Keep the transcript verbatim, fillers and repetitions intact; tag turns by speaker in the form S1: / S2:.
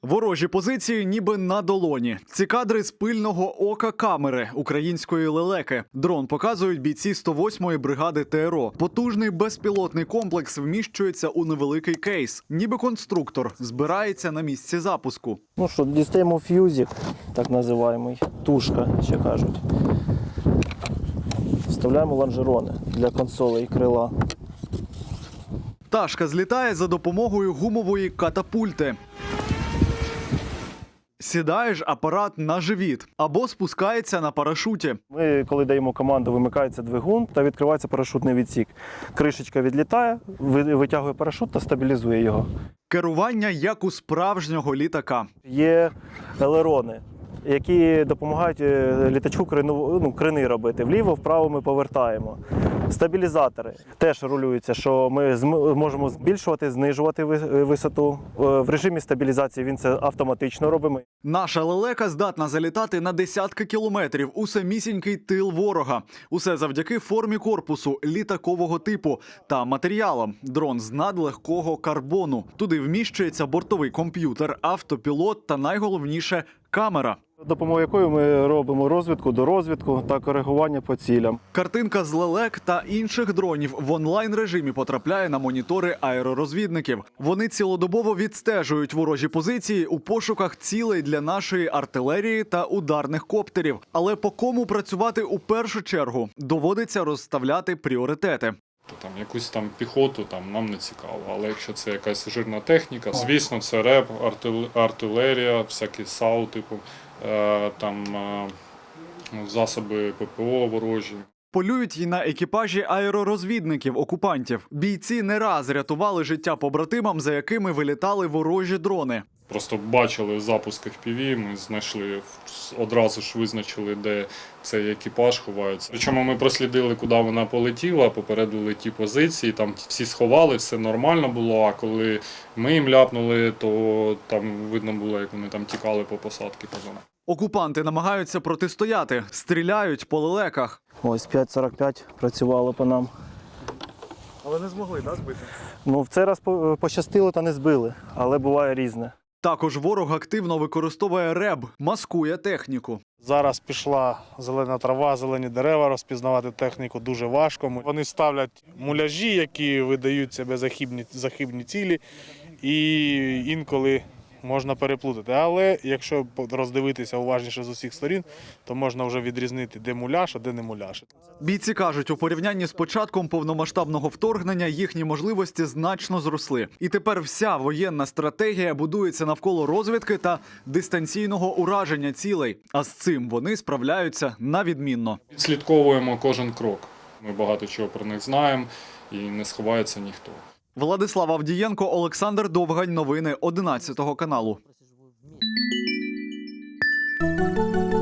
S1: Ворожі позиції ніби на долоні. Ці кадри з пильного ока камери української лелеки. Дрон показують бійці сто восьмої бригади ТРО. Потужний безпілотний комплекс вміщується у невеликий кейс. Ніби конструктор збирається на місці запуску.
S2: Ну що, дістаємо ф'юзик, так називаємо, тушка, ще кажуть. Вставляємо лонжерони для консолей і крила.
S1: Пташка злітає за допомогою гумової катапульти. Сідає ж апарат на живіт або спускається на парашуті.
S2: Ми, коли даємо команду, вимикається двигун та відкривається парашутний відсік. Кришечка відлітає, витягує парашут та стабілізує його.
S1: Керування як у справжнього літака.
S2: Є елерони, які допомагають літачку крину, ну, крини робити. Вліво-вправо ми повертаємо. Стабілізатори теж рулюються, що ми можемо збільшувати, знижувати висоту. В режимі стабілізації він це автоматично робимо.
S1: Наша лелека здатна залітати на десятки кілометрів у самісінький тил ворога. Усе завдяки формі корпусу літакового типу та матеріалам. Дрон з надлегкого карбону. Туди вміщується бортовий комп'ютер, автопілот та найголовніше – камера.
S2: Допомогою якої ми робимо розвідку до розвідку та коригування по цілям.
S1: Картинка з лелек та інших дронів в онлайн-режимі потрапляє на монітори аеророзвідників. Вони цілодобово відстежують ворожі позиції у пошуках цілей для нашої артилерії та ударних коптерів. Але по кому працювати у першу чергу? Доводиться розставляти пріоритети.
S3: Там якусь там піхоту там нам не цікаво, але якщо це якась жирна техніка, звісно, це реп, артилерія, всякі САУ, типу, там засоби ППО ворожі.
S1: Полюють й на екіпажі аеророзвідників окупантів. Бійці не раз рятували життя побратимам, за якими вилітали ворожі дрони.
S3: Просто бачили запуск еф пі ві, ми знайшли, одразу ж визначили, де цей екіпаж ховається. Причому ми прослідили, куди вона полетіла, попередили ті позиції, там всі сховали, все нормально було, а коли ми їм ляпнули, то там видно було, як вони там тікали по посадці.
S1: Окупанти намагаються протистояти, стріляють по лелеках.
S2: Ось п'ять сорок п'ять працювало по нам.
S1: Але не змогли, да, збити?
S2: Ну, в цей раз пощастило та не збили, але буває різне.
S1: Також ворог активно використовує реб, маскує техніку.
S4: Зараз пішла зелена трава, зелені дерева, розпізнавати техніку дуже важко. Вони ставлять муляжі, які видають себе за хибні, за хибні цілі, і інколи можна переплутати. Але якщо роздивитися уважніше з усіх сторін, то можна вже відрізнити, де муляж, а де не муляж.
S1: Бійці кажуть, у порівнянні з початком повномасштабного вторгнення їхні можливості значно зросли. І тепер вся воєнна стратегія будується навколо розвідки та дистанційного ураження цілей. А з цим вони справляються на відмінно.
S3: Відслідковуємо кожен крок. Ми багато чого про них знаємо і не сховається ніхто.
S1: Владислав Авдієнко, Олександр Довгань. Новини одинадцятого каналу.